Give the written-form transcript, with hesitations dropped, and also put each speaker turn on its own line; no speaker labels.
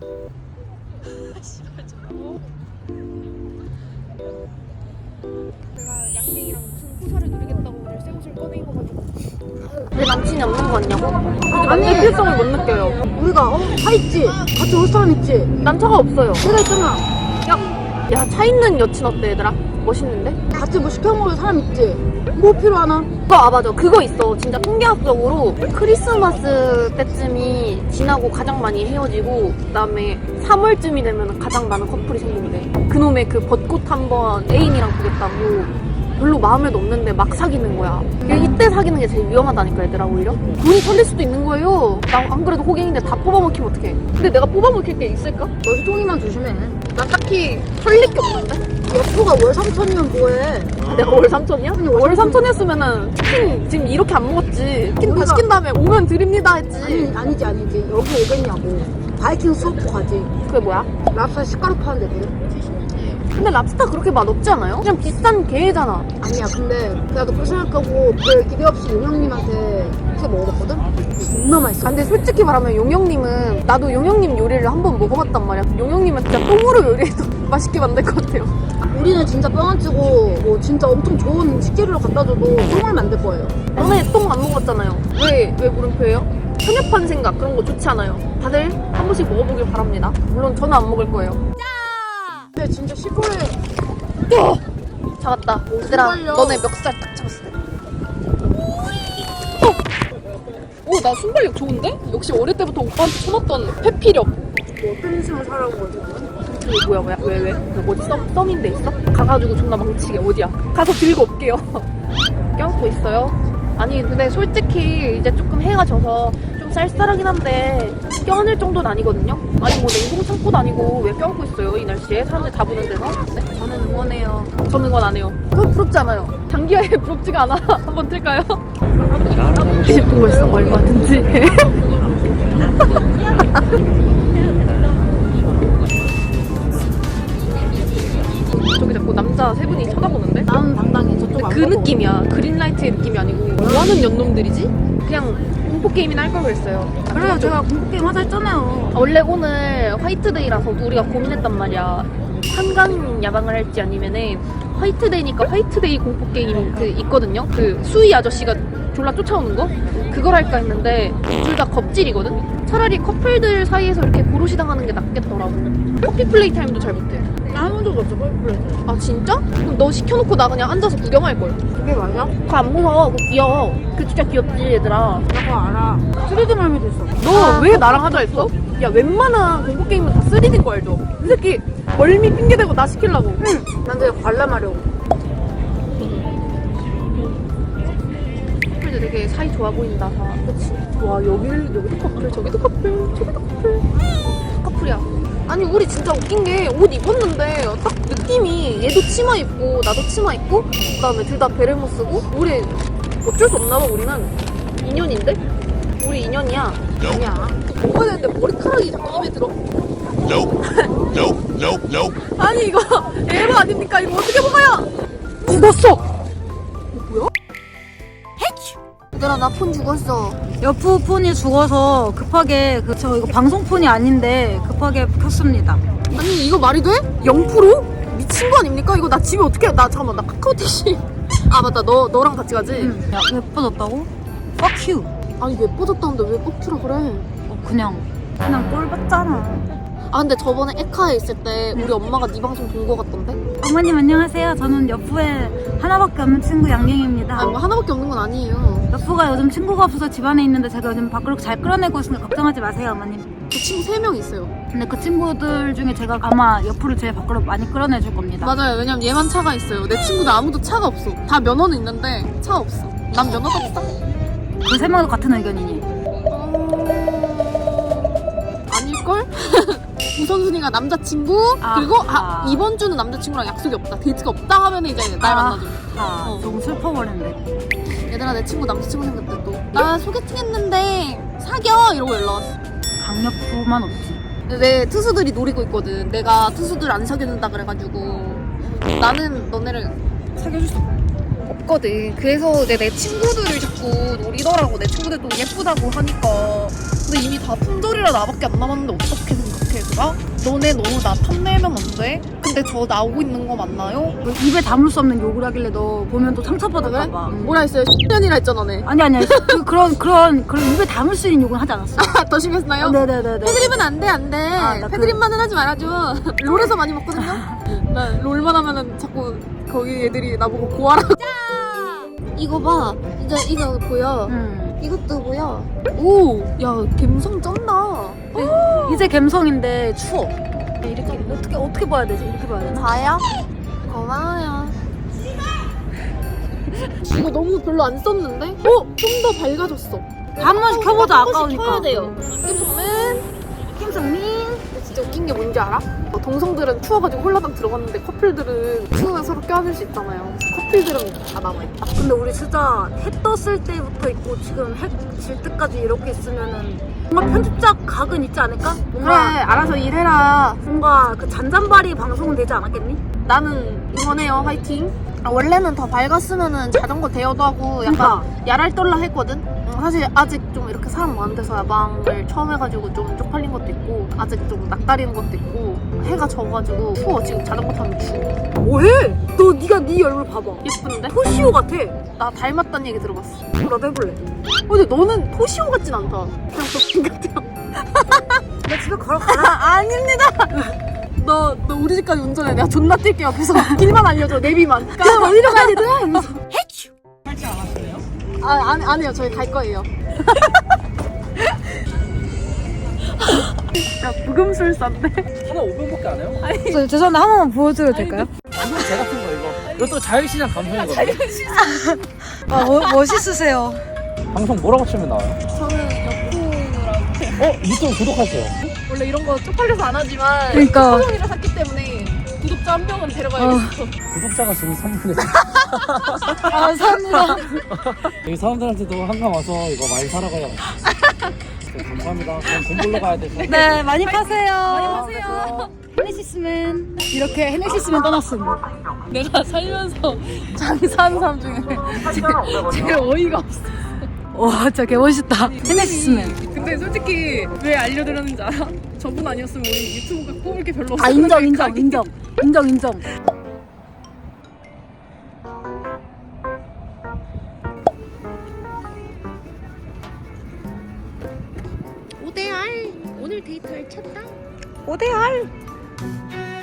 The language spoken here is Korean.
내가 양갱이랑 무슨 호사를 누리겠다고 오늘 새 옷을 꺼내 입어가지고 내 남친이 없는 거 같냐고? 남의 필성을 못 느껴요.
우리가 차 있지? 같이 올 사람 있지?
난 차가 없어요.
내가 있잖아.
야, 차 있는 여친 어때 얘들아? 멋있는데?
같이 뭐 시켜 먹을 사람 있지? 뭐 필요하나?
맞아. 그거 있어. 진짜 통계학적으로 크리스마스 때쯤이 지나고 가장 많이 헤어지고 그다음에 3월쯤이 되면 가장 많은 커플이 생긴대. 그놈의 그 벚꽃 한번 애인이랑 보겠다고 별로 마음에도 없는데 막 사귀는 거야. 이때 사귀는 게 제일 위험하다니까 얘들아. 오히려 돈이 털릴 수도 있는 거예요. 나 안 그래도 호갱인데 다 뽑아먹히면 어떡해. 근데 내가 뽑아먹힐 게 있을까?
너 휴통이만 조심해.
난 딱히 털릴 게 없는데?
여포가 월 3천이면 뭐해?
내가 월 3천이야?
아니,
월 3천이었으면은 치킨 지금 이렇게 안 먹었지. 치킨 다
우리가-
시킨 다음에 오면 드립니다 했지.
아니지. 여기 오겠냐고. 바이킹 수업도 가지.
그게 뭐야?
랍스터 식가루 파는 데거든.
근데 랍스타 그렇게 맛없지 않아요? 그냥 비싼 게잖아.
아니야, 근데 나도 그렇게 생각하고 별 기대 없이 용영님한테 그렇게 먹어봤거든? 존나 맛있어.
근데 솔직히 말하면 용영님은 나도 용영님 요리를 한번 먹어봤단 말이야. 용영님은 진짜 똥으로 요리해도 맛있게 만들 것 같아요.
우리는 진짜 뻥 안 치고 뭐 진짜 엄청 좋은 식재료를 갖다 줘도 똥을 만들 거예요.
너네 똥 안 먹었잖아요. 왜 물음표예요? 편협한 생각 그런 거 좋지 않아요. 다들 한 번씩 먹어보길 바랍니다. 물론 저는 안 먹을 거예요.
근데 진짜 시골에
잡았다. 얘들아,
순발력.
너네 멱살 딱 잡았어. 오, 나 순발력 좋은데? 역시 어릴 때부터 오빠한테 쳐놨던 회피력.
뭐 어떤 인생을 살아온 거지?
이거 뭐야? 왜? 어디 썸인데 있어? 가가지고 존나 망치게. 어디야? 가서 들고 올게요. 껴안고 있어요? 아니 근데 솔직히 이제 조금 해가 져서 좀 쌀쌀하긴 한데 껴안을 정도는 아니거든요? 아니 뭐 냉동 창고도 아니고 왜 껴안고 있어요 이 날씨에? 사람들 다 보는 데서? 네?
저는 응원해요.
저는 건 안 해요. 그건 부럽지 않아요. 장기하에 부럽지가 않아. 한번 틀까요? 20분 벌써 얼마든지. 저기 자꾸 남자 세 분이 쳐다보는데?
나는 당당히 저쪽 안
그
보고.
느낌이야. 그린라이트의 느낌이 아니고 뭐하는 연놈들이지? 그냥 공포게임이나 할 걸 그랬어요.
그래요, 제가 공포게임 하자 했잖아요.
원래 오늘 화이트데이라서 우리가 고민했단 말이야. 한강 야방을 할지 아니면은 화이트데이니까 화이트데이 공포게임 그 있거든요. 그 수희 아저씨가 졸라 쫓아오는 거? 그걸 할까 했는데 둘 다 겁질이거든? 차라리 커플들 사이에서 이렇게 고로시 당하는 게 낫겠더라고. 커피 플레이 타임도 잘 못해.
나 한 번도 없어, 뻘뻘.
아 진짜? 그럼 너 시켜놓고 나 그냥 앉아서 구경할걸.
그게 맞아?
그거 안 무서워. 그거 귀여워. 그 진짜 귀엽지 얘들아.
나 그거 알아. 3D 말미도 있어.
너 왜 나랑 하자 했어? 야 웬만한 공포게임은 다 3D인 거 알죠? 이 새끼 멀미 핑계대고 나 시키려고.
응. 난 되게 관람하려고.
커플들 되게 사이 좋아 보인다 다. 그치? 와 여기도 커플 저기도 커플 저기도 커플. 커플이야. 아니 우리 진짜 웃긴 게 옷 입었는데 딱 느낌이 얘도 치마 입고 나도 치마 입고 그다음에 둘 다 베레 못 쓰고 우리 어쩔 수 없나 봐. 우리는 인연인데? 우리 인연이야.
아니야.
먹어야 되는데 머리카락이 자꾸 입에 들어.
Nope.
아니 이거 에바 아닙니까? 이거 어떻게 먹어요? 죽었어. 뭐야? 얘들아 나 폰 죽었어.
여프 폰이 죽어서 급하게 저 이거 방송 폰이 아닌데 급하게 켰습니다.
아니 이거 말이 돼? 0%? 미친 거 아닙니까? 이거 나 집에 어떻게 나 잠깐만 나 카카오 택시. 아 맞다 너랑 같이 가지?
야, 예뻐졌다고? Fuck you.
아니 예뻐졌다는데 왜 뻑큐라 그래?
그냥 꼴 봤잖아.
아 근데 저번에 에카에 있을 때 우리 엄마가 네 방송 본 거 같던데?
어머님 안녕하세요. 저는 여프의 하나밖에 없는 친구 양갱입니다.
아니 뭐 하나밖에 없는 건 아니에요.
여프가 요즘 친구가 없어서 집안에 있는데 제가 요즘 밖으로 잘 끌어내고 있으니까 걱정하지 마세요, 어머님.
저 친구 3명 있어요.
근데 그 친구들 중에 제가 아마 여프를 제일 밖으로 많이 끌어내줄 겁니다.
맞아요. 왜냐면 얘만 차가 있어요. 내 친구들 아무도 차가 없어. 다 면허는 있는데 차가 없어. 난 면허도 없어.
그 세 명도 같은 의견이니?
아닐걸? 우선순위가 남자친구 그리고
아하.
이번 주는 남자친구랑 약속이 없다. 데이트가 없다 하면 이제 날 만나줘. 어.
좀 슬퍼버렸네.
얘들아 내 친구 남자친구 생겼대 또. 나 소개팅 했는데 사겨 이러고 연락 왔어.
강력부만 없지.
내 투수들이 노리고 있거든. 내가 투수들 안 사귀는다 그래가지고 나는 너네를 사귀어줄 수 없거든. 그래서 이제 내 친구들을 자꾸 노리더라고. 내 친구들도 예쁘다고 하니까. 근데 이미 다 품절이라 나밖에 안 남았는데 어떻게 생각해? 내가? 너네 너무 나 탐내면 안 돼? 근데 저 나오고 있는 거 맞나요?
입에 담을 수 없는 욕을 하길래 너 보면 또 상처받을까봐.
뭐라 했어요? 10년이라 했잖아, 네.
아니 그런 입에 담을 수 있는 욕은 하지 않았어.
더 심했나요?
네네네네.
패드립은 안 돼, 안 돼.
나
패드립만은 하지 말아줘. 롤에서 많이 먹거든요? 나 롤만 하면은 자꾸 거기 애들이 나보고 고하라고. 이거 봐. 이거 보여. 이것도 보여. 오, 야, 갬성 쩐다.
이제 갬성인데 추워. 이렇게 어떻게 봐야 되지? 이렇게 봐야 되나?
다요? 고마워요. 이거 너무 별로 안 썼는데? 좀 더 밝아졌어.
한 번씩 켜보자. 아까우니까.
켜야 돼요. 김성민. 진짜 웃긴 게 뭔지 알아? 동성들은 추워가지고 홀라당 들어갔는데 커플들은 추우면 서로 껴안을 수 있잖아요. 커플들은 다 남아있다.
근데 우리 진짜 해 떴을 때부터 있고 지금 해 질 때까지 이렇게 있으면은 뭔가 편집작 각은 있지 않을까?
그래,
뭔가
알아서 일해라.
뭔가 그 잔잔바리 방송은 되지 않았겠니?
나는 응원해요. 화이팅. 원래는 더 밝았으면은 자전거 대여도 하고 약간
그러니까.
야랄떨라 했거든? 사실 아직 좀 이렇게 사람 많은 데서 야방을 처음 해가지고 좀 쪽팔린 것도 있고 아직 좀 낯가리는 것도 있고 해가 져가지고 추워. 지금 자전거 타면 추워.
뭐해? 네가 네 얼굴 봐봐.
예쁜데?
토시오 같아.
나 닮았다는 얘기 들어봤어.
나도 해볼래.
근데 너는 토시오 같진 않다. 그냥 도핑 같아.
나 집에 가라.
아닙니다. 너 우리 집까지 운전해. 내가 존나 뛸게 옆에서. 길만 알려줘. 내비만. 그럼 어디로 가야 되나? 이러면서. 해치.
할줄 알았어요?
안 해요. 저희 갈 거예요. 야, 부금술사인데?
하나 500원밖에 안 해요?
죄송한데 한 번만 보여줘도 될까요?
완전 제 같은 거 이거. 이것도 자유시장 감성이거든요.
멋있으세요.
방송 뭐라고 치면 나와요?
저는 역풍이랑
유튜브 구독하세요.
원래 이런 거 쪽팔려서 안 하지만
그러니까.
소정이라 샀기 때문에 구독자 한 명은 데려가야겠어.
구독자가 지금 3분의
감사합니다.
여기 사람들한테도 한강 와서 이거 많이 사라고요. 네, 감사합니다. 그럼 돈 벌러 가야 돼서.
네, 많이 파세요.
많이 파세요.
헤네시스맨. 이렇게 헤네시스맨 떠났음.
내가 살면서 장사하는 사람 중에 제일 어이가 없어.
와, 진짜 개멋있다. 헤네시스맨.
근데 솔직히 왜 알려드렸는지 알아? 저분 아니었으면 우리 유튜브가 뽑을 게 별로 없어.
아, 인정. 인정.
오대알 오늘 데이트를 쳤다.
오대알.